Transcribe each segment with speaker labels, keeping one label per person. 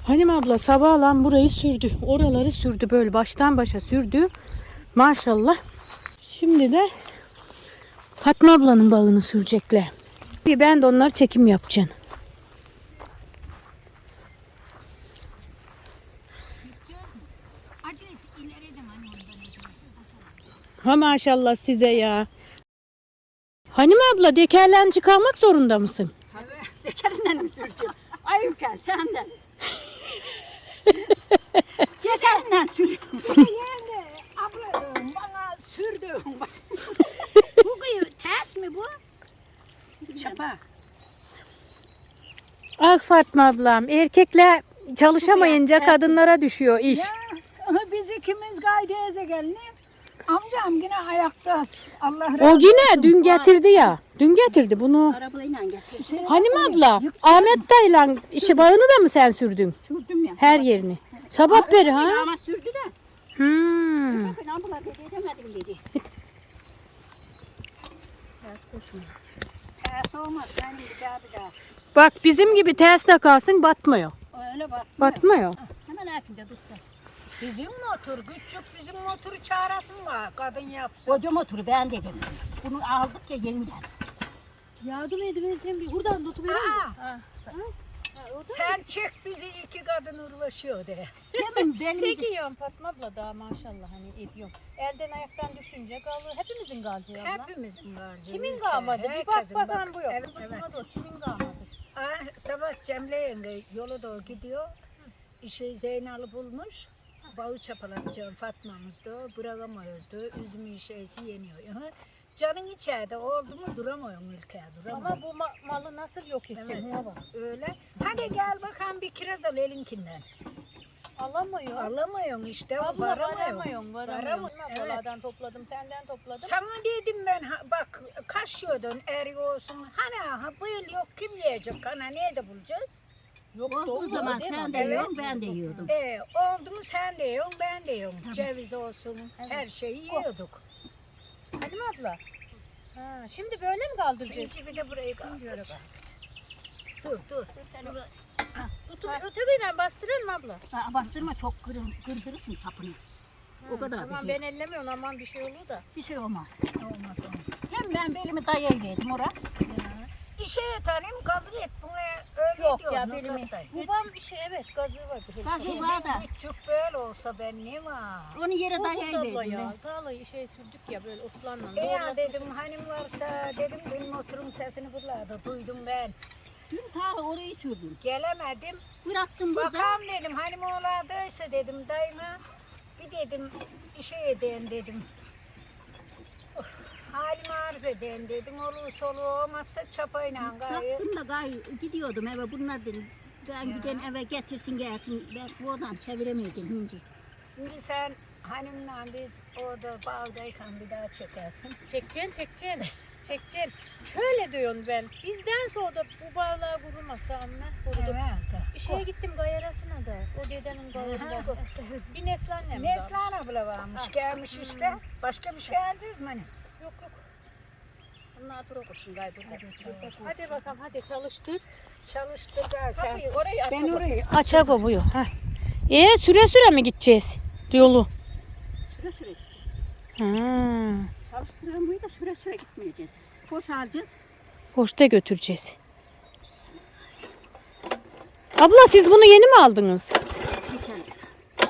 Speaker 1: Halim abla sabahlan burayı sürdü. Oraları sürdü, böyle baştan başa sürdü. Maşallah. Şimdi de Fatma ablanın bağını sürecekler. Ben de onları çekim yapacağım. Ha maşallah size ya. Halim abla dekerlen çıkarmak zorunda mısın?
Speaker 2: Tabii. Dekerinden mi süreceğim? Ayıpken senden. Dekerinden sürüyorum. Yani abla bana sürdüm. Bu ters mi bu? Çapa.
Speaker 1: Ah Fatma ablam, erkekler çalışamayınca kadınlara düşüyor iş.
Speaker 2: Ya biz ikimiz gaydeyeze gelini. Amcam yine ayakta. Allah razı olsun.
Speaker 1: O yine dün getirdi ya. Dün getirdi bunu.
Speaker 2: Arabayla getirdi.
Speaker 1: Halim abla, Ahmet dayılan işi bağını da mı sen sürdün?
Speaker 2: Sürdüm ya.
Speaker 1: Her yerini. Sabah beri ha?
Speaker 2: Ama sürdü de. Bakın abla dedi edemedim dedi. Ters koşma. Ters olmaz. Ben bir daha.
Speaker 1: Bak bizim gibi ters kalsın batmıyor.
Speaker 2: Öyle bak.
Speaker 1: Batmıyor.
Speaker 2: Hemen akinde dursa. Sizin motor küçük, bizim motoru çağırasın var. Kadın yapsın. Koca motoru ben dedim. Bunu aldık ya yeniden.
Speaker 1: Yardım edin bir buradan tutuverin.
Speaker 2: Sen çek bizi, iki kadın uğraşıyor de. Benim
Speaker 1: Çekiyorum Fatma abla daha maşallah hani ediyorum. Elden ayaktan düşünce kalır. Hepimizin kalacağı abla.
Speaker 2: hepimizin var.
Speaker 1: Kimin kalmadı? Bir bak bakalım bu yok.
Speaker 2: Evet, evet.
Speaker 1: Buna da kimin kalmadı?
Speaker 2: Sabah Cemile yenge yola doğru gidiyor. Zeynal'ı bulmuş. Bağı çapalatacağım Fatma'mız da bırakamıyoruz da üzümün şeysi yeniyor. Canın içeride oldu mu duramıyorum ülkeye duramıyorum.
Speaker 1: Ama bu malı nasıl yok edecek?
Speaker 2: Evet. Öyle. Hadi gel bakalım bir kiraz al elinkinden.
Speaker 1: Alamıyor.
Speaker 2: Alamıyorsun işte.
Speaker 1: Abla
Speaker 2: Varamıyorum.
Speaker 1: varamıyorum.
Speaker 2: Evet.
Speaker 1: Ablalardan topladım, senden topladım.
Speaker 2: Sana dedim ben bak kaşıyordun eri olsun. Hani bu yıl yok kim yiyecek? Hani nerede bulacağız?
Speaker 1: Yok
Speaker 3: O zaman sen de yiyorsun, ben de yiyordum.
Speaker 2: Oldu mu sen de yiyorsun, ben de yiyorum.
Speaker 3: Tabii.
Speaker 2: Ceviz olsun, her şeyi yiyorduk.
Speaker 1: Halim abla. Ha, şimdi böyle mi kaldıracağız?
Speaker 2: Bir de burayı kaldıracağız. Dur.
Speaker 1: Sen ötekiyle bastıralım abla.
Speaker 3: Bastırma çok kırdırırsın sapını. O kadar
Speaker 1: Aman
Speaker 3: da
Speaker 1: ben ellemiyorum, aman bir şey olur da.
Speaker 3: bir şey olmaz.
Speaker 2: Olmaz.
Speaker 3: Sen ben belimi dayayıverdim oraya.
Speaker 2: İşe tanıyım kabul et. Buna öyle
Speaker 3: Yok
Speaker 2: diyor.
Speaker 3: ya, belimi.
Speaker 1: Babam bir şey evet gazı var.
Speaker 3: Gazı
Speaker 2: Sizin
Speaker 3: var da.
Speaker 2: küçük böyle olsa ben ne var?
Speaker 3: Onu yere
Speaker 1: Abla
Speaker 3: dayayıverdim
Speaker 1: ya.
Speaker 3: ben.
Speaker 1: Tarlayı sürdük ya böyle otlarla.
Speaker 2: Ya dedim hanım varsa dedim dün motorun sesini buralarda duydum ben.
Speaker 3: Dün ta orayı sürdüm.
Speaker 2: Gelemedim.
Speaker 3: Bıraktım burada.
Speaker 2: Bakalım dedim hanım oğladıysa dedim dayıma. Bir dedim işe edeyim dedim. Halimi arz edeyim dedim. Olur solu olmazsa çapayla gayet.
Speaker 3: Bıraktım da gidiyordum eve, bunlar dedim. Ben giden eve getirsin gelsin. Ben bu odan çeviremeyeceğim hinci.
Speaker 2: Şimdi sen hanımla biz orada bağdayken bir daha çekersin.
Speaker 1: Çekeceksin. Şöyle diyorum ben. Bizden sonra da bu bağlar vurulmasa amme.
Speaker 2: Evet.
Speaker 1: Şeye gittim gayarasına da. O dedenin gayarında. Bir Neslihan'la mı?
Speaker 2: Neslihan abla varmış gelmiş işte. Başka bir şey alacağız mı hani?
Speaker 1: Yok. Bunlar dur okursun burada. Hadi bakalım hadi çalıştır.
Speaker 2: Çalıştır gel sen.
Speaker 1: Kapıyı orayı aç.
Speaker 2: Ben orayı
Speaker 1: Açak o buyu. Süre mi gideceğiz yolu?
Speaker 3: Süre süre gideceğiz.
Speaker 1: Ha.
Speaker 3: Çalıştıran buyu da süre gitmeyeceğiz. Boş alacağız.
Speaker 1: Poşta götüreceğiz. Abla siz bunu yeni mi aldınız?
Speaker 3: Geçen sene.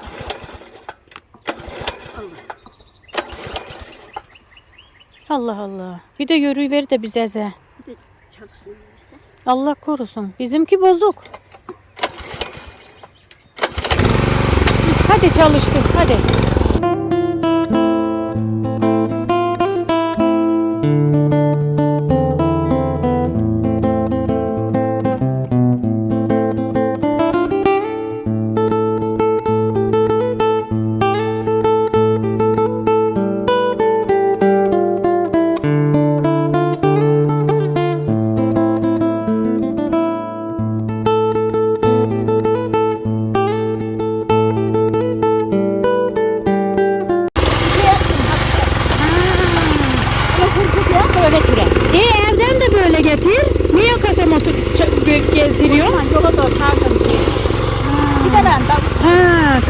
Speaker 1: Allah Allah. Bir de yürüyüver de bize.
Speaker 3: Bir de çalışmayı verirse.
Speaker 1: Allah korusun. Bizimki bozuk. Hadi çalıştır. Hadi.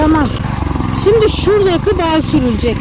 Speaker 1: Tamam. Şimdi şuradaki bağ sürülecek.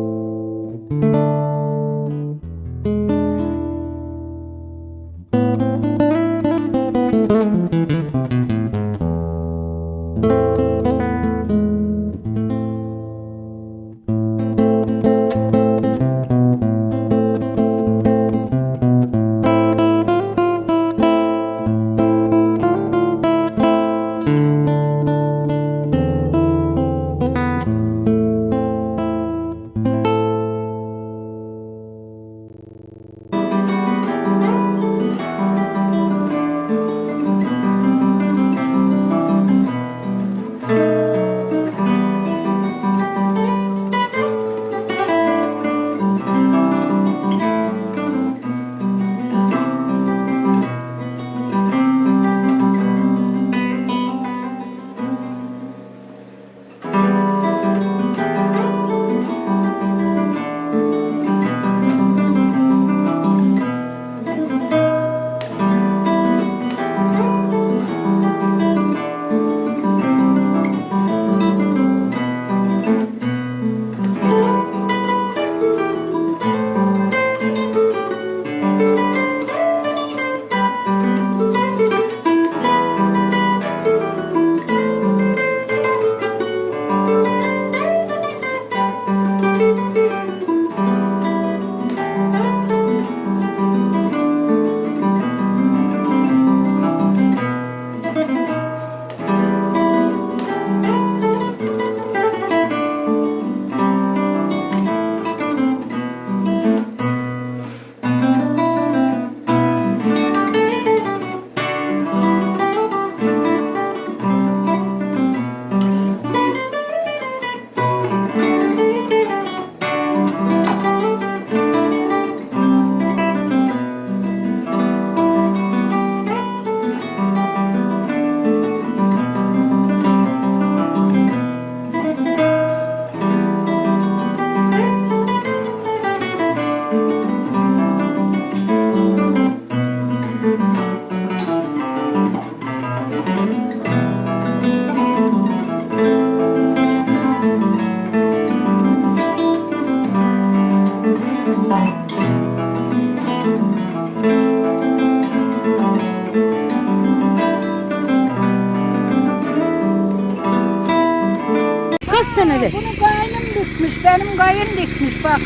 Speaker 1: Kaç senedir?
Speaker 2: Bunu kaynım dikmiş, benim kayın dikmiş bak.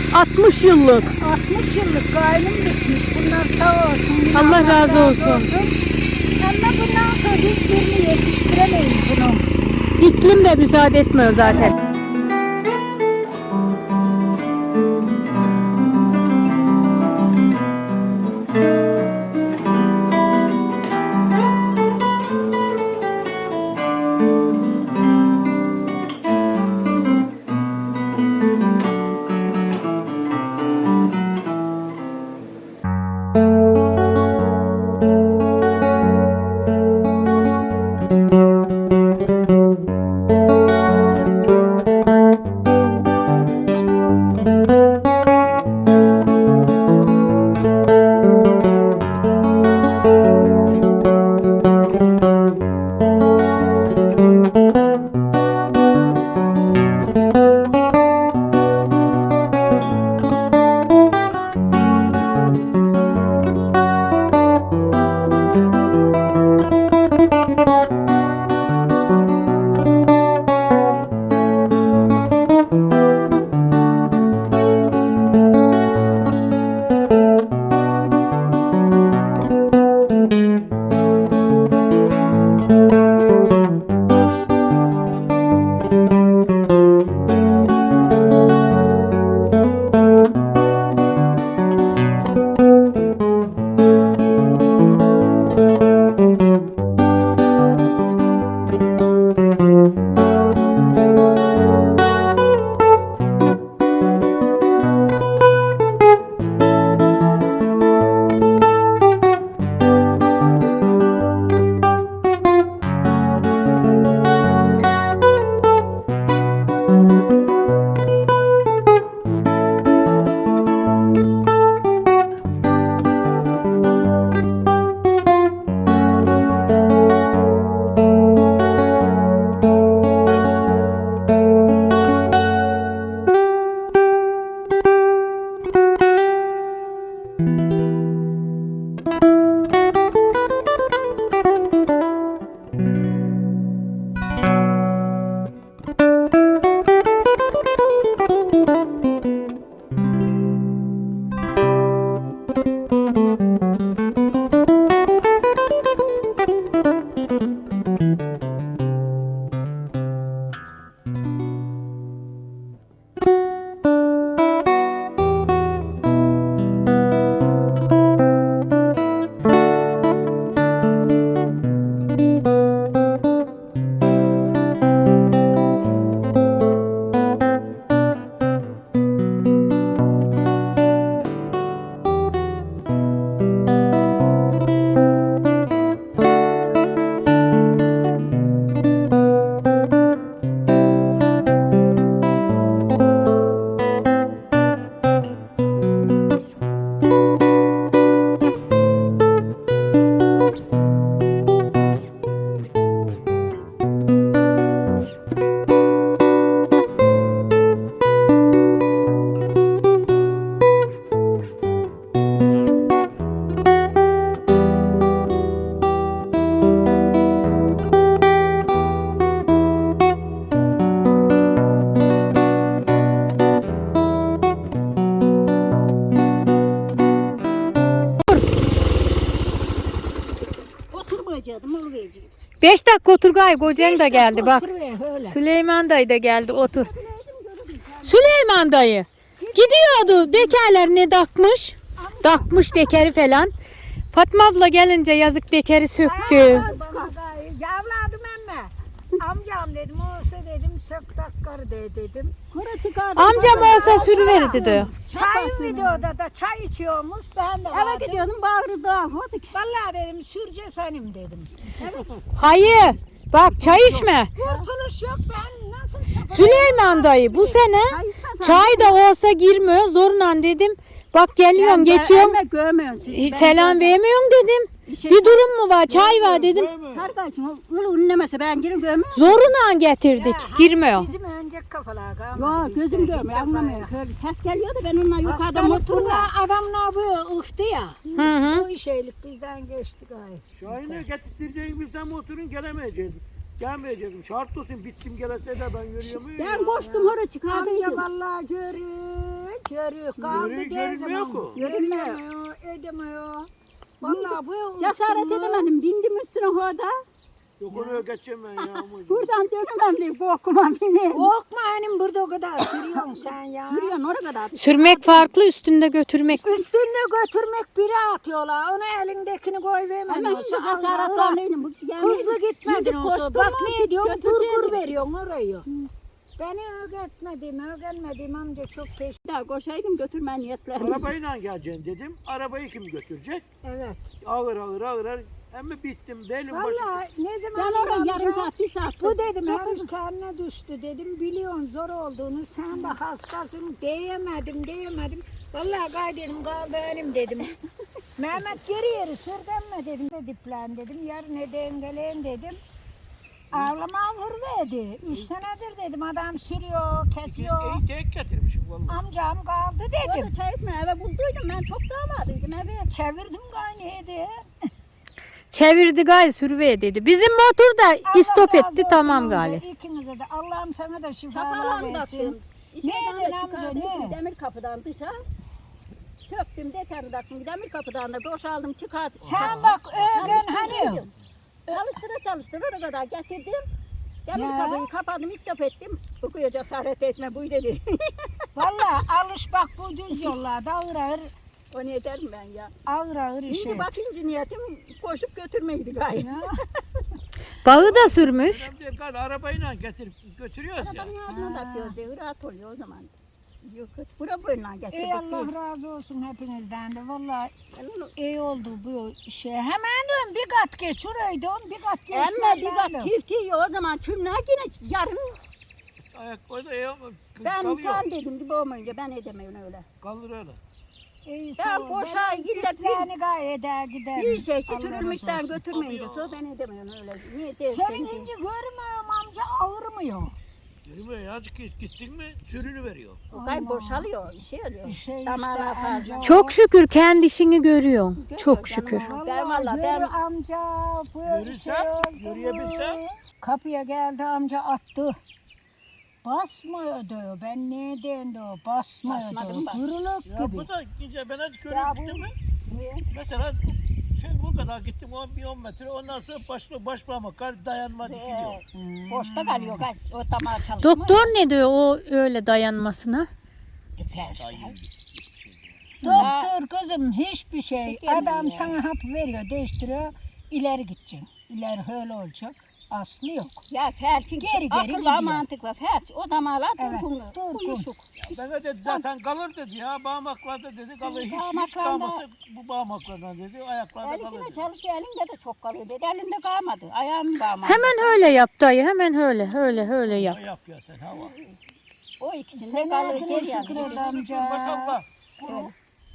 Speaker 1: 60 yıllık.
Speaker 2: 60 yıllık kaynım dikmiş. Bunlar sağ olsun.
Speaker 1: Allah razı olsun.
Speaker 2: Ama bundan sonra biz birini yetiştiremeyiz bunu.
Speaker 1: İklim de müsaade etmiyor zaten. 5 dakika otur gay. Kocan da geldi bak.
Speaker 2: Öyle.
Speaker 1: Süleyman dayı da geldi otur. Süleyman dayı gidiyordu dekerlerini takmış. Takmış dekeri falan. Fatma abla gelince yazık dekeri söktü.
Speaker 2: Yavladım emme. Amcam dedim olsa dedim sök takkar de dedim.
Speaker 3: Kura çıkardım.
Speaker 1: Amcam olsa sürüverirdi diyor.
Speaker 2: Çay videoda da çay içiyormuş ben de
Speaker 3: Eve
Speaker 2: vardım.
Speaker 3: gidiyordum bağırdı. Hadi.
Speaker 2: Vallahi dedim sürce senim dedim.
Speaker 1: Hayır. Bak çay içme.
Speaker 2: Kurtuluş yok ben nasıl çapacağım?
Speaker 1: Süleyman dayı bu sene çay da olsa girmiyor. Zorla dedim. Bak geliyorum geçiyorum. Selam vermiyorsun dedim. Bir durum mu var? Çay var dedim.
Speaker 3: Sarkaçım ulu ünlemese ben girip görmüyorum.
Speaker 1: Zoruna getirdik. Girmiyor.
Speaker 2: Bizim önceki kafalar kalmadı.
Speaker 3: Yok
Speaker 2: bizde,
Speaker 3: gözüm
Speaker 2: hiç
Speaker 3: görmüyor
Speaker 2: yapma
Speaker 3: anlamıyor.
Speaker 2: ya.
Speaker 3: Öyle ses geliyor da ben onunla yukarıda
Speaker 2: Hastalık
Speaker 3: motorla.
Speaker 2: bunlar adamlar bu ıhtı ya.
Speaker 1: Hı hı.
Speaker 2: Bu işeylik bizden geçti gayet.
Speaker 4: Şahin'e getirteceğim bilsem motorun gelemeyecektim. Gelmeyecektim. Şart olsun bittim gelese de ben görüyorum.
Speaker 3: Ben koştum oraya
Speaker 2: Amca
Speaker 3: çıkardıydım.
Speaker 2: vallahi görüyor. Kaldı
Speaker 4: Görüyor,
Speaker 2: değil
Speaker 4: görünmüyor
Speaker 2: zaman.
Speaker 4: ki.
Speaker 2: Görünmüyor, edemiyor. Vallahi bu
Speaker 3: Cesaret
Speaker 2: ıhtı mı?
Speaker 3: edemedim. Bindim üstüne orada.
Speaker 4: Yok oraya geçeceğim ben ya.
Speaker 3: Buradan dönemem diye korkuma beni.
Speaker 2: Korkma hanım burada o kadar sürüyorsun sen ya.
Speaker 3: Sürüyorsun oraya kadar.
Speaker 1: Sürmek farklı, üstünde götürmek.
Speaker 2: Üstünde götürmek biri atıyorlar. Ona elindekini koy vermedin.
Speaker 3: Hemen
Speaker 2: olsa
Speaker 3: önce
Speaker 2: Allah
Speaker 3: cesaretlendim.
Speaker 2: hızlı gitmedin olsa. Bak ne diyorsun? Kur
Speaker 3: götüreceğim.
Speaker 2: veriyorsun orayı. Beni öğretmedim amca çok peş.
Speaker 3: Daha koşaydım götürme niyetlerim.
Speaker 4: Arabayla geleceğim dedim. Arabayı kim götürecek?
Speaker 2: Evet.
Speaker 4: Ağır. Ama bittim. Benim başım.
Speaker 2: Vallahi ne zaman
Speaker 3: Ben oraya
Speaker 2: amca,
Speaker 3: yarım saat, bir saat.
Speaker 2: bu dedim her iş kendine düştü dedim. Biliyorsun zor olduğunu sen de hastasın diyemedim. Vallahi gay dedim kal benim dedim. Mehmet geri sürdenme dedim. Diplen dedim yarın dengeleyin dedim. Ağlama vurverdi. 3 senedir dedim adam sürüyor, kesiyor.
Speaker 4: İyi tek getirmişim vallahi.
Speaker 2: Amcam kaldı dedim.
Speaker 3: Orada çay içme eve bulduydum ben çok damadıydım eve.
Speaker 2: Çevirdim kaynıydı.
Speaker 1: Çevirdi gal sürüveye dedi. Bizim motor da istop etti tamam gali.
Speaker 2: İkinize de Allah'ım sana da şifalar
Speaker 3: Çapalan
Speaker 2: versin.
Speaker 3: taktım. İşlerden
Speaker 2: Neydi
Speaker 3: de
Speaker 2: amca,
Speaker 3: çıkardım
Speaker 2: ne?
Speaker 3: demir kapıdan dışa. Söktüm deterli taktım demir kapıdan da boşaldım çıkardım.
Speaker 2: Sen bak öğren hani.
Speaker 3: Çalıştıra oraya kadar getirdim. Demir
Speaker 2: Ya.
Speaker 3: kapıyı kapadım istop ettim. Okuyor cesaret etme bu dedi.
Speaker 2: Vallahi alış bak bu düz yollarda ağır
Speaker 3: O ne derim ben ya.
Speaker 2: ağır işe.
Speaker 3: Şimdi bakınca niyetim koşup götürmeydi gayet.
Speaker 2: Ya.
Speaker 1: Bağı da sürmüş.
Speaker 4: Önemli değil, gal arabayla getirip götürüyoruz ya.
Speaker 3: Arabanın ağzına takıyoruz diye rahat oluyor o zaman. Yok bura boyundan getirdik.
Speaker 2: Ey Allah razı olsun hepinizden de. Vallahi iyi oldu bu şey. Hemen dön bir kat geç orayı dön bir kat geç.
Speaker 3: Ama bir kat tiftiği o zaman çümler yine yarın
Speaker 4: Ayak koyda iyi ama
Speaker 3: ben
Speaker 4: kalıyor.
Speaker 3: tam dedim gibi olmayınca ben edemiyorum öyle.
Speaker 4: Kalır öyle.
Speaker 3: Ben boşa illa
Speaker 2: Yani gayet eder gider.
Speaker 3: bir şeysi
Speaker 2: Allah
Speaker 3: sürülmüşten
Speaker 2: razı olsun.
Speaker 3: götürmeyince sonra ben edemiyorum öyle. Niye değil
Speaker 2: Senin
Speaker 3: senince?
Speaker 2: ince görmüyorum amca ağırmıyor.
Speaker 4: Yürüme ya gittin mi sürünü veriyor.
Speaker 3: O kay boşalıyor, şey oluyor.
Speaker 2: Şey
Speaker 3: Damağına
Speaker 2: işte
Speaker 3: fazla.
Speaker 2: amca.
Speaker 1: Çok şükür kendi işini görüyorsun. Çok şükür.
Speaker 3: Ben vallahi ben
Speaker 2: Yürü amca bu
Speaker 4: Yürüsem,
Speaker 2: şey oldu
Speaker 4: yürüyebilsem.
Speaker 2: mu? Kapıya geldi amca attı. Basmıyordu. Ben neyden de o basmıyordu.
Speaker 3: Basmadım bak.
Speaker 2: Kırılık
Speaker 4: Ya
Speaker 2: gibi.
Speaker 4: bu da gidince ben hadi
Speaker 2: Ya
Speaker 4: körüyorum
Speaker 2: bu-
Speaker 4: gittim mi? Mesela bu kadar gittim 10 metre ondan sonra baş parmak dayanma dikiliyor.
Speaker 3: boşta kalıyor gaz o damağa çalışma.
Speaker 1: Doktor ne diyor o öyle dayanmasına?
Speaker 4: Dayım gitti. Hiçbir şey değil.
Speaker 2: Doktor kızım hiçbir şey.
Speaker 3: Şeker mi
Speaker 2: Adam
Speaker 3: ya?
Speaker 2: sana hap veriyor, değiştiriyor. İleri gideceksin. İleri öyle olacak. Aslı yok.
Speaker 3: Ya felçin
Speaker 2: Geri
Speaker 3: akıl
Speaker 2: gidiyor.
Speaker 3: var mantık var felç. O zamanlar
Speaker 2: Evet,
Speaker 3: durgun.
Speaker 2: durgun.
Speaker 3: Uyuşuk.
Speaker 4: Ben de dedi zaten kalır dedi ya bağmaklarda dedi kalır hiç
Speaker 3: Bağmaklarda-
Speaker 4: kalmasa bu bağmaklardan dedi ayaklarda kalır
Speaker 3: Elinde
Speaker 4: dedi.
Speaker 3: çalışıyor elinde de çok kalıyor dedi. Elinde kalmadı. Ayağım kalmadı.
Speaker 1: Hemen öyle yap dayı. Hemen öyle yap.
Speaker 4: Ne yap ya sen hava.
Speaker 3: O ikisinde
Speaker 2: Sen
Speaker 3: kalıyor
Speaker 2: hayatına
Speaker 3: geri
Speaker 2: şükür
Speaker 3: yani.
Speaker 2: et amca.
Speaker 4: Maşallah. Kuru.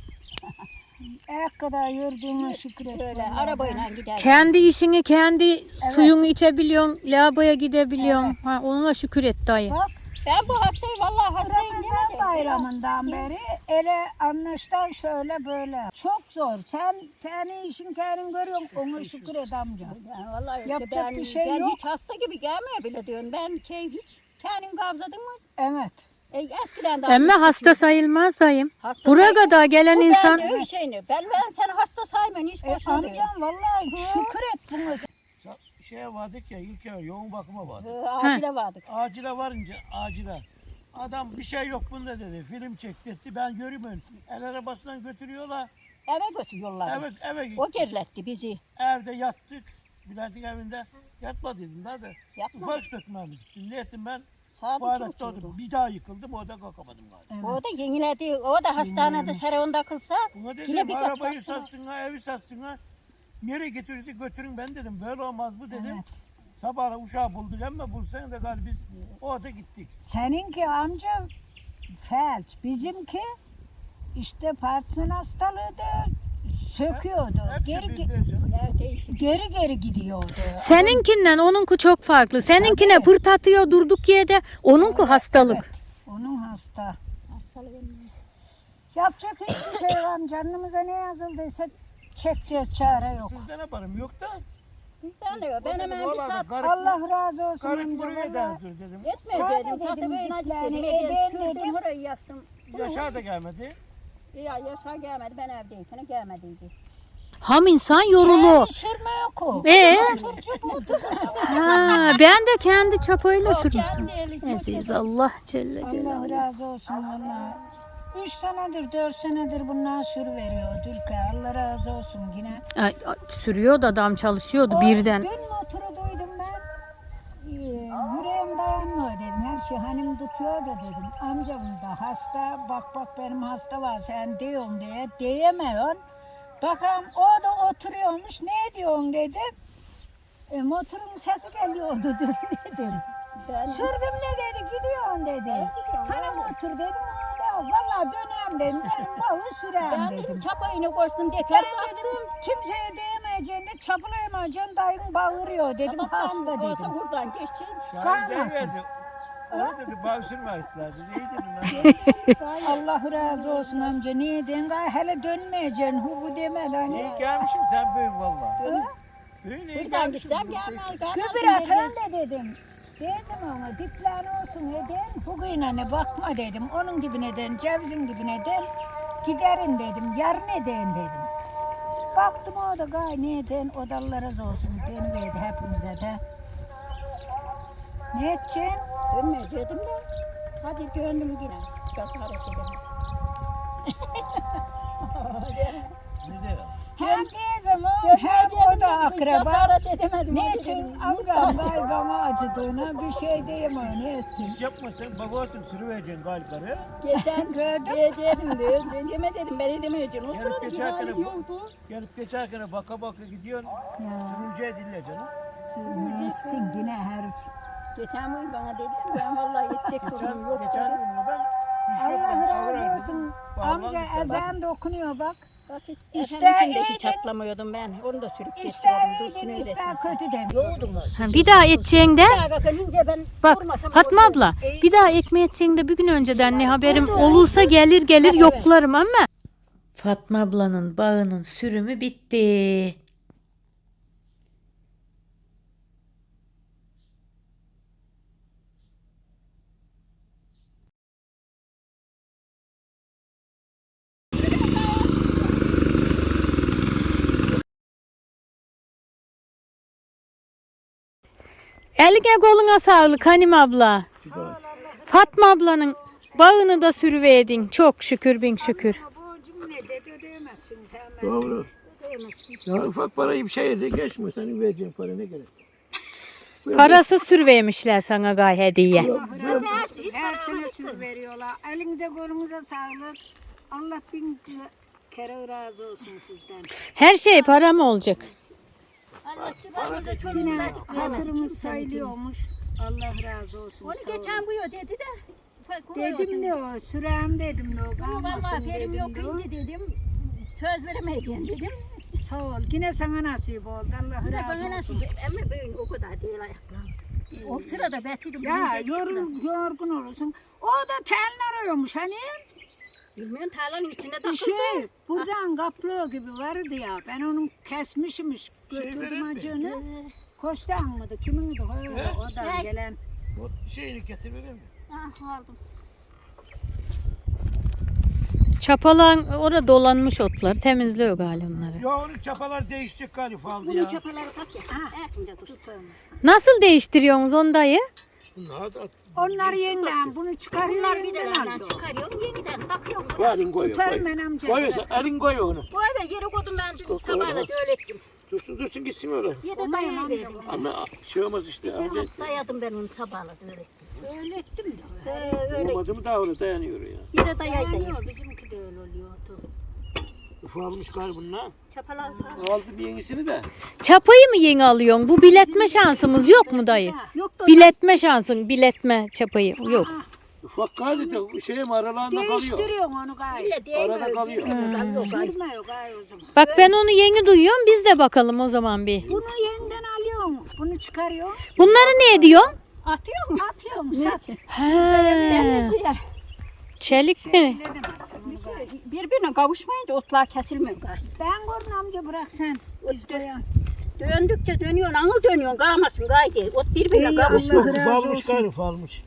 Speaker 2: Ayak kadar yürüdüğüne şükür et.
Speaker 3: Böyle
Speaker 2: vallahi.
Speaker 3: arabayla gider.
Speaker 1: Kendi işini kendi suyunu içebiliyorsun. Lavaboya gidebiliyorsun. Ha, onunla şükür et dayı.
Speaker 2: Bak
Speaker 3: Ben bu hastayım vallahi hastayım
Speaker 2: Ramazan
Speaker 3: demedim.
Speaker 2: bayramından beri ele anlaştan şöyle böyle. Çok zor. Sen kendi işin kendin görüyorsun. Ona şükür et amca.
Speaker 3: Yani vallahi işte
Speaker 2: Yapacak
Speaker 3: ben,
Speaker 2: bir şey
Speaker 3: ben
Speaker 2: yok.
Speaker 3: hiç hasta gibi gelmiyor bile diyorum. Ben hiç kendin kavzadın mı?
Speaker 2: Evet.
Speaker 3: Eskiden de
Speaker 1: Emme hasta sayılmaz dayım.
Speaker 3: Hasta
Speaker 1: Buraya
Speaker 3: sayılmaz.
Speaker 1: kadar gelen
Speaker 3: Bu
Speaker 1: insan
Speaker 3: Ben de öyle şeyini. Ben seni hasta saymayın hiç boşuna diyorum.
Speaker 2: Amcam vallahi şükür et buna.
Speaker 4: şeye vardık ya ilk yoğun bakıma vardık.
Speaker 3: Acile vardık.
Speaker 4: Acile varınca acile. Adam bir şey yok bunda dedi. Film çekti. Ben görmüyorum. El arabasından götürüyorlar.
Speaker 3: Eve götürüyorlar.
Speaker 4: Eve gittik.
Speaker 3: O geriletti bizi.
Speaker 4: Evde yattık. Bülent'in evinde yatmadıydım da.
Speaker 3: Yapma.
Speaker 4: Ufak dökmemi gittim. Ne ettim ben?
Speaker 3: Sadık
Speaker 4: Tuvalette
Speaker 3: yoktu.
Speaker 4: oldum. Bir daha yıkıldım. Orada kalkamadım galiba.
Speaker 3: O da yenilerdi. O da hastanede Sarayon'da kılsa.
Speaker 4: Buna
Speaker 3: Yine
Speaker 4: dedim
Speaker 3: bir
Speaker 4: arabayı
Speaker 3: dakika.
Speaker 4: satsın ha, evi satsın ha. Nereye getirirse götürün ben dedim. Böyle olmaz bu dedim.
Speaker 3: Evet.
Speaker 4: Sabah uşağı bulduk ama bulsan da galiba biz orada gittik.
Speaker 2: Seninki amca felç, bizimki işte Parkinson hastalığıydı, söküyordu.
Speaker 4: Hepsi
Speaker 2: Geri
Speaker 4: bizde canım.
Speaker 3: Yer değişik.
Speaker 2: geri gidiyordu.
Speaker 1: Seninkinden onunku çok farklı. Seninkine pırtatıyor durduk yerde. Onunku hastalık.
Speaker 2: Evet, onun hasta.
Speaker 3: Hastalığı.
Speaker 2: Yapacak hiçbir şey var. Canımıza ne yazıldıysa çekeceğiz, çare yok.
Speaker 4: Sizde ne yaparım yok da.
Speaker 3: Bizden de yok. Ben hemen bir saat
Speaker 2: Allah razı olsun
Speaker 4: Karık
Speaker 2: amca.
Speaker 4: buraya
Speaker 2: vallahi.
Speaker 4: derdir dedim.
Speaker 3: etmeyecektim.
Speaker 2: Sana
Speaker 3: Zaten
Speaker 2: dedim,
Speaker 3: böyle
Speaker 2: gitlerini
Speaker 3: acıktım.
Speaker 2: edin dedim.
Speaker 3: Orayı yaktım.
Speaker 4: Yaşar da gelmedi.
Speaker 3: Ya Yaşar gelmedi. Ben evdeyken gelmediydi.
Speaker 1: Ham insan yorulu.
Speaker 2: Sürme yok o.
Speaker 1: Ha, ben de kendi çapayla sürmüştüm.
Speaker 3: Kendi eli
Speaker 1: Aziz Allah Celle
Speaker 2: Allah
Speaker 1: Celaluhu.
Speaker 2: razı olsun valla. 3 senedir 4 senedir bunlar sürü veriyor Dülke. Allah razı olsun yine.
Speaker 1: Ay, sürüyordu adam çalışıyordu birden.
Speaker 2: Dün motoru duydum ben. Yüreğim dayanmıyor dedim. Her şey hanım tutuyor da dedim. Amcam da hasta. Bak benim hasta var sen diyorsun diye. Diyemiyorsun. Bakalım o da oturuyormuş. Ne diyorsun dedi. Motorun sesi geliyordu dün dedim. Sürdüm ne dedi gidiyorsun dedi. Hani motor dedim. Valla dönem dedim. Benim bağı sürem
Speaker 3: Ben
Speaker 2: dedim.
Speaker 3: dedim çapayını koştum diye
Speaker 2: Ben dedim kimseye değmeyeceğini çapılayamayacaksın dayın bağırıyor dedim hasta dedim.
Speaker 3: Buradan geçeceğim.
Speaker 4: Şahin
Speaker 2: Kalmasın.
Speaker 4: verdi. O dedi bağışırma ettiler dedi. İyi dedim ben.
Speaker 2: Allah razı olsun amca niye dedin hele dönmeyeceksin bu demeden.
Speaker 4: İyi gelmişsin sen büyük valla. Büyük iyi
Speaker 3: Buradan
Speaker 4: gelmişsin.
Speaker 3: gitsem gelmez.
Speaker 2: Gübür atan da dedim. Dedim ona dipler olsun edin. Bugüne bakma dedim. Onun dibine den, cevizin dibine den. Giderin dedim. Yarın edin dedim. Baktım o da gay ne edin. O da Allah razı olsun. Dönüverdi hepimize de. Ne edeceksin?
Speaker 3: Dönmeyecektim de. Hadi döndüm yine. Cesaret edelim.
Speaker 4: Ne diyor?
Speaker 2: Hem teyzem o hem o da akraba.
Speaker 3: Cesaret edemedim.
Speaker 2: Ne
Speaker 3: hadi
Speaker 2: için
Speaker 3: dedim.
Speaker 2: ablam galiba acıdığına bir şey diyemiyor ne etsin.
Speaker 4: İş yapma sen babasın sürüvereceksin galiba.
Speaker 3: Geçen
Speaker 2: Gördün mü?
Speaker 3: dedim deme dedim ben edemeyeceğim. O
Speaker 4: Gelip
Speaker 3: sırada bir
Speaker 4: geçerken
Speaker 3: halim yoktu.
Speaker 4: gelip geçerken baka gidiyorsun.
Speaker 2: Ya
Speaker 4: Sürücüye dinle canım.
Speaker 2: ne etsin yine herif.
Speaker 3: Geçen gün bana dediler ben vallahi yetecek durumum yok.
Speaker 4: Geçen gün ben bir şey
Speaker 2: Allah
Speaker 4: yapmadım.
Speaker 2: razı olsun. Amca ezan dokunuyor bak.
Speaker 3: Bak hiç
Speaker 2: İster
Speaker 3: efendikindeki
Speaker 2: iyiydin,
Speaker 3: çatlamıyordum ben. Onu da sürüp
Speaker 2: İster
Speaker 3: geçiyordum.
Speaker 2: iyiydin ister kötüdün.
Speaker 3: Yoğdunuz.
Speaker 1: Ha, bir daha edeceğin de
Speaker 3: Kalkınca ben
Speaker 1: bak
Speaker 3: vurmasam
Speaker 1: Fatma
Speaker 3: olurdu.
Speaker 1: abla bir daha ekmeği edeceğin de bir gün önceden ne haberim olursa gelir yoklarım ama. Fatma ablanın bağının sürümü bitti. Eline koluna sağlık Hanim abla. Fatma ablanın bağını da sürüverdin. Çok şükür bin şükür.
Speaker 2: Borcum ne dedi ödeyemezsin sen.
Speaker 4: Doğru. Ya ufak parayı bir şey yedi geçme senin vereceğin para ne gerek?
Speaker 1: Parasız sürüvermişler sana gay hediye.
Speaker 2: Her sene sür veriyorlar. Elinize kolunuza sağlık. Allah bin kere razı olsun sizden.
Speaker 1: Her şey para mı olacak?
Speaker 2: Yine hatırımız sayılıyormuş. Allah razı olsun.
Speaker 3: Onu
Speaker 2: sağ olun.
Speaker 3: geçen bu yo dedi de.
Speaker 2: Dedim de o sürem dedim de o
Speaker 3: Ama vallahi
Speaker 2: kalmasın
Speaker 3: ferim yok
Speaker 2: dedim de o.
Speaker 3: ince dedim. Söz veremeyeceğim dedim.
Speaker 2: Sağ ol. Yine sana nasip oldu. Allah
Speaker 3: Bir de
Speaker 2: razı
Speaker 3: bana
Speaker 2: olsun.
Speaker 3: nasıl ama böyle o kadar değil ayaklarım. O sırada bekledim.
Speaker 2: Ya yorgun olursun. O da telin arıyormuş hani.
Speaker 3: Bilmiyorum tarlanın içinde
Speaker 2: Bir
Speaker 3: takıldı.
Speaker 2: şey buradan kaplığı gibi vardı ya. Ben onu kesmişmiş. Götürdüm
Speaker 4: verir mi?
Speaker 2: acını. Koçtan mıydı? Kimindi? O da
Speaker 3: Ne?
Speaker 2: gelen.
Speaker 4: O şeyini getir verir mi?
Speaker 3: Ah aldım.
Speaker 1: Çapalan orada dolanmış otlar. Temizliyor galiba onları.
Speaker 4: Ya onun çapalar değişecek galiba aldı
Speaker 3: Bunun
Speaker 4: ya.
Speaker 3: çapaları tak ya. Erkince dur.
Speaker 1: Nasıl değiştiriyorsunuz onu dayı?
Speaker 4: Bunlar da
Speaker 2: Onlar yeniden bunu çıkarıyor.
Speaker 3: Bunlar bir de
Speaker 2: yeniden
Speaker 3: nereden
Speaker 2: alıyor.
Speaker 3: çıkarıyorum yeniden takıyorum.
Speaker 4: bu elin koyuyor.
Speaker 2: Tutarım ben amca.
Speaker 4: Koyuyorsa elin koyuyor onu.
Speaker 3: Bu eve yere koydum ben dün
Speaker 4: Koy,
Speaker 3: sabahla
Speaker 4: koy.
Speaker 3: öğrettim.
Speaker 4: Dursun gitsin öyle.
Speaker 3: Yedi
Speaker 2: Olmayın
Speaker 3: dayayı
Speaker 2: amca,
Speaker 3: verdim.
Speaker 4: Ama şey olmaz işte.
Speaker 3: Şey
Speaker 4: Önce
Speaker 3: dayadım ben onu sabahla öğrettim.
Speaker 2: Öğrettim de.
Speaker 3: Öyle
Speaker 4: olmadı mı daha öyle dayanıyor ya.
Speaker 3: yere dayaydı.
Speaker 2: Dayanıyor. Bizimki de öyle oluyordu.
Speaker 4: Ufalmış galiba bunlar.
Speaker 3: Çapalar falan.
Speaker 4: Aldı bir yenisini de.
Speaker 1: Çapayı mı yeni alıyorsun? Bu biletme şansımız yok mu dayı?
Speaker 3: Yok da
Speaker 1: Biletme şansın, biletme çapayı yok.
Speaker 4: Ufak galiba de şeyim aralarında kalıyor.
Speaker 2: Değiştiriyorsun onu gayet.
Speaker 3: öyle değil.
Speaker 4: Arada kalıyor.
Speaker 2: Girmiyor gayet o zaman.
Speaker 1: Bak ben onu yeni duyuyorum. Biz de bakalım o zaman bir.
Speaker 2: Bunu yeniden alıyorsun. Bunu çıkarıyorsun.
Speaker 1: Bunları ne ediyorsun?
Speaker 3: Atıyor mu?
Speaker 2: Atıyorsun. Sat.
Speaker 1: He. Çelik mi?
Speaker 2: Edemezsin onu gayet.
Speaker 3: Birbirine kavuşmayınca otlar kesilmiyor galiba.
Speaker 2: Ben gördüm amca bırak sen. İsteyen.
Speaker 3: Döndükçe dönüyorsun, anıl dönüyorsun, kalmasın gaydi. Ot birbirine
Speaker 2: İyi
Speaker 3: kavuşmuyor.
Speaker 2: Allah razı
Speaker 4: Ufalmış
Speaker 2: olsun.
Speaker 4: galiba ufalmış.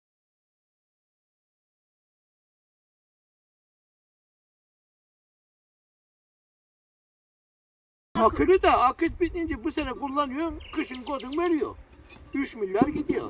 Speaker 4: Akülü de akit bitince bu sene kullanıyorum. Kışın kodun veriyor. 3 milyar gidiyor.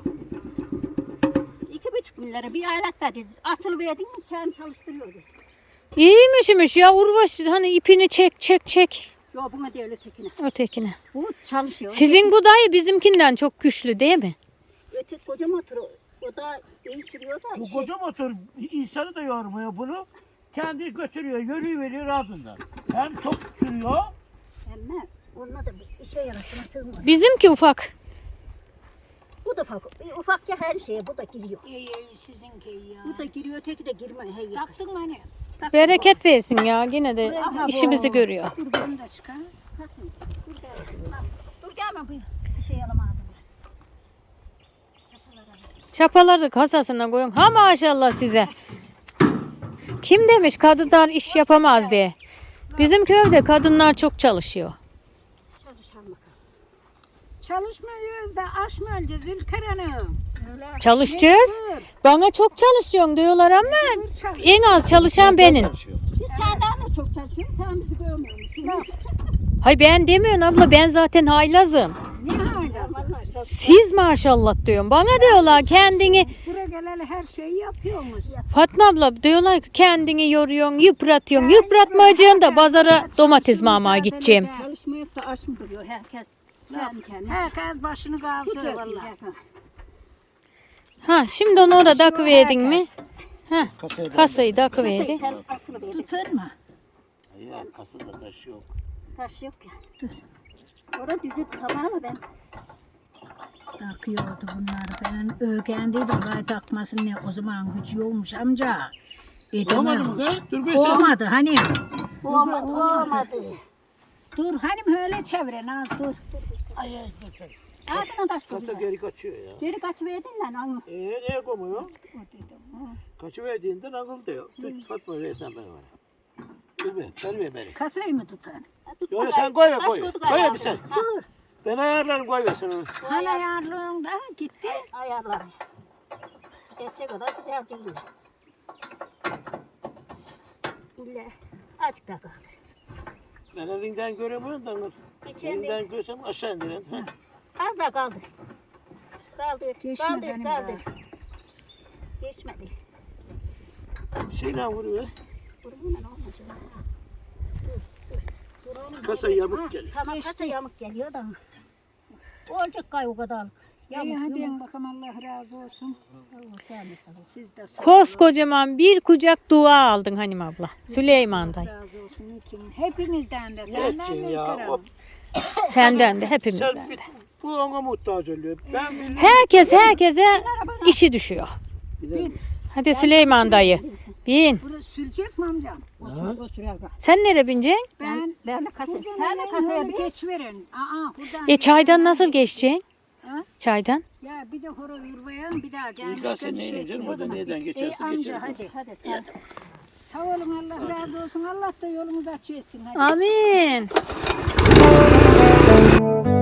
Speaker 3: 2,5 milyara bir alet verdi. Asıl verdin mi kendim çalıştırıyordu.
Speaker 1: İyiymişmiş ya Urbaş. Hani ipini çek.
Speaker 3: Yok buna değil ötekine.
Speaker 1: Ötekine.
Speaker 3: Bu çalışıyor.
Speaker 1: Sizin bu dayı bizimkinden çok güçlü değil mi?
Speaker 3: Öteki koca motor o da iyi sürüyor da.
Speaker 4: Bu koca motor insanı da yormuyor bunu. Kendi götürüyor, yürüyü veriyor ardından. Hem çok sürüyor.
Speaker 3: Ama onunla da bir işe yarasına sığmıyor.
Speaker 1: Bizimki ufak.
Speaker 3: Bu da ufak. Ufak ya her şeye bu da giriyor.
Speaker 2: İyi sizinki iyi ya.
Speaker 3: Bu da giriyor öteki de girmiyor. Hey,
Speaker 2: Taktın mı hani?
Speaker 1: Bereket versin ya. Yine de işimizi görüyor.
Speaker 2: Dur bunu da çıkar.
Speaker 3: Kasım. Dur gel. Dur gelme bu bir şey alamadım.
Speaker 1: Çapaları da kasasına koyun. Ha maşallah size. Kim demiş kadınlar iş yapamaz diye. Bizim köyde kadınlar çok çalışıyor.
Speaker 3: Çalışalım bakalım.
Speaker 2: Çalışmıyoruz da aş mı öleceğiz Ülker Hanım?
Speaker 3: Öyle.
Speaker 1: Çalışacağız.
Speaker 2: Mecbur.
Speaker 1: Bana çok çalışıyorsun diyorlar ama
Speaker 2: Mecbur çalış.
Speaker 1: en az çalışan benim.
Speaker 3: Biz senden de çok çalışıyoruz. Sen bizi görmüyor musun?
Speaker 1: Hay ben demiyorsun abla, ben zaten haylazım.
Speaker 2: Ne hala?
Speaker 3: Vallahi çok.
Speaker 1: Siz maşallah diyorum. Bana diyorlar kendini,
Speaker 2: Buraya geleli her şeyi yapıyorsunuz.
Speaker 1: Fatma abla diyorlar ki kendini yoruyorsun, yıpratıyorsun. Yıpratmayacaksın da pazara domates mamaya gideceğim.
Speaker 3: Çalışmayıp da aç mı duruyor herkes? Kendi kendine.
Speaker 2: Herkes başını kavsıyor
Speaker 3: Tutuyor
Speaker 2: vallahi.
Speaker 3: diyecek ha.
Speaker 1: Ha şimdi onu orada takıverdin mi?
Speaker 2: herkes.
Speaker 1: Ha
Speaker 4: Kasayı
Speaker 1: kasayı
Speaker 3: Kasayı
Speaker 1: takıverdin.
Speaker 3: sen asılı verirsin.
Speaker 2: Tutar mı?
Speaker 4: Ya kasada taş yok.
Speaker 3: Taş yok ya. Dur. Orada düzü sabahla ben.
Speaker 2: Takıyordu bunlar. Ben öğrendiydim gayet takmasın ne o zaman gücü yokmuş amca.
Speaker 4: Olmadı mı
Speaker 2: Edemezmiş.
Speaker 4: kız? Dur be sen.
Speaker 2: Olmadı hani.
Speaker 3: Olmadı. Olmadı.
Speaker 2: Dur hani öyle çevire Naz dur.
Speaker 4: Ay ay dur sen.
Speaker 3: Ağzına taş
Speaker 4: Kasa
Speaker 3: koyuyor.
Speaker 4: geri kaçıyor ya.
Speaker 3: Geri kaçıverdin lan onu.
Speaker 4: Neye koymuyor?
Speaker 2: O dedim.
Speaker 4: Kaçıverdiğinden akıl diyor. Dur Fatma versen ben var. Dur be, ver beni.
Speaker 2: Kasayı mı tutar?
Speaker 4: Yok sen koy ver
Speaker 3: Taş
Speaker 4: koy.
Speaker 3: koyduk
Speaker 4: Koy ver
Speaker 3: ayağına.
Speaker 4: bir sen.
Speaker 3: Ha, dur.
Speaker 4: Ben ayarlarım koy versin onu.
Speaker 2: Hala ayarlığında gitti.
Speaker 3: Ayarlar. Dese kadar güzelce gidiyor. İlle azıcık daha kaldır.
Speaker 4: Ben elinden göremiyorum da.
Speaker 3: İçeride.
Speaker 4: Elinden görsem aşağı indirin. Ha.
Speaker 3: Az daha kaldır. Kaldır.
Speaker 2: Geçmedi
Speaker 3: Kaldır.
Speaker 2: benim
Speaker 3: Kaldır. Geçmedi.
Speaker 4: Şeyle vuruyor.
Speaker 3: Vurgunla ne olmayacak? Dur oğlum.
Speaker 4: Kasa yamuk geliyor.
Speaker 3: Tamam kasa yamuk geliyor da. Olacak gay o kadar.
Speaker 2: İyi
Speaker 3: Yamuk
Speaker 2: hadi
Speaker 3: yumuk.
Speaker 2: bakalım Allah razı olsun. Siz de sağ olun.
Speaker 1: Koskocaman bir kucak dua aldın Hanim abla. Süleyman'dan.
Speaker 2: razı olsun. Hepinizden de
Speaker 4: Ne
Speaker 2: senden
Speaker 4: edeceksin
Speaker 2: de
Speaker 4: ya?
Speaker 2: İlker
Speaker 4: O-
Speaker 2: Hanım.
Speaker 1: Senden de hepimizden
Speaker 4: Sen
Speaker 1: de.
Speaker 4: bu ona muhtaç oluyor. Ben bilmiyorum.
Speaker 1: Herkese işi düşüyor.
Speaker 4: Gidelim.
Speaker 1: Hadi Süleyman dayı. Bin.
Speaker 2: Burası sürecek mi amcam?
Speaker 3: O sürer bak.
Speaker 1: Sen nereye bineceksin?
Speaker 2: Ben
Speaker 3: Ben de kasa.
Speaker 2: buradan
Speaker 3: Sen de kasaya
Speaker 2: kasaya
Speaker 3: bir
Speaker 2: bir geç verin. Buradan.
Speaker 1: Çaydan nasıl geçeceksin?
Speaker 2: Ha?
Speaker 1: Çaydan.
Speaker 2: Ya bir de horo yurvaya bir daha
Speaker 4: İlk
Speaker 2: gelmişken
Speaker 4: sen
Speaker 2: bir
Speaker 4: neyle
Speaker 2: şey
Speaker 4: canım?
Speaker 2: etmeyin.
Speaker 4: Orada nereden
Speaker 2: Ey
Speaker 4: geçersin
Speaker 2: amca
Speaker 4: geçersin.
Speaker 2: hadi.
Speaker 3: Hadi sen.
Speaker 2: Sağ olun Allah razı olsun. Allah da yolunuzu açı etsin. Hadi.
Speaker 1: Amin.